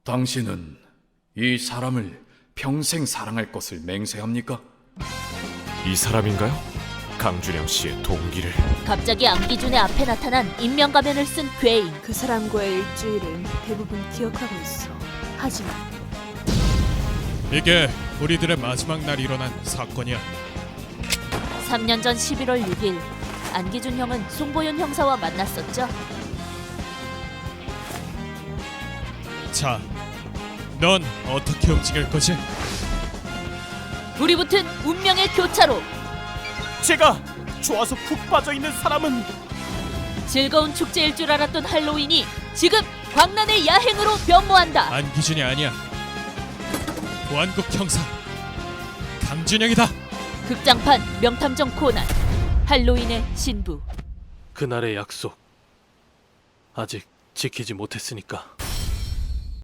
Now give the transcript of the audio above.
당신은 이 사람을 평생 사랑할 것을 맹세합니까? 이 사람인가요? 강준영 씨의 동기를. 갑자기 안기준의 앞에 나타난 인명가면을 쓴 괴인. 그 사람과의 일주일은 대부분 기억하고 있어. 하지만 이게 우리들의 마지막 날 일어난 사건이야. 3년 전 11월 6일 안기준 형은 송보윤 형사와 만났었죠. 자, 넌 어떻게 움직일 거지? 불이 붙은 운명의 교차로. 제가 좋아서 푹 빠져있는 사람은 즐거운 축제일 줄 알았던 할로윈이 지금 광란의 야행으로 변모한다. 안기준이 아니야. 보안국 형사 강준영이다. 극장판 명탐정 코난 할로윈의 신부. 그날의 약속 아직 지키지 못했으니까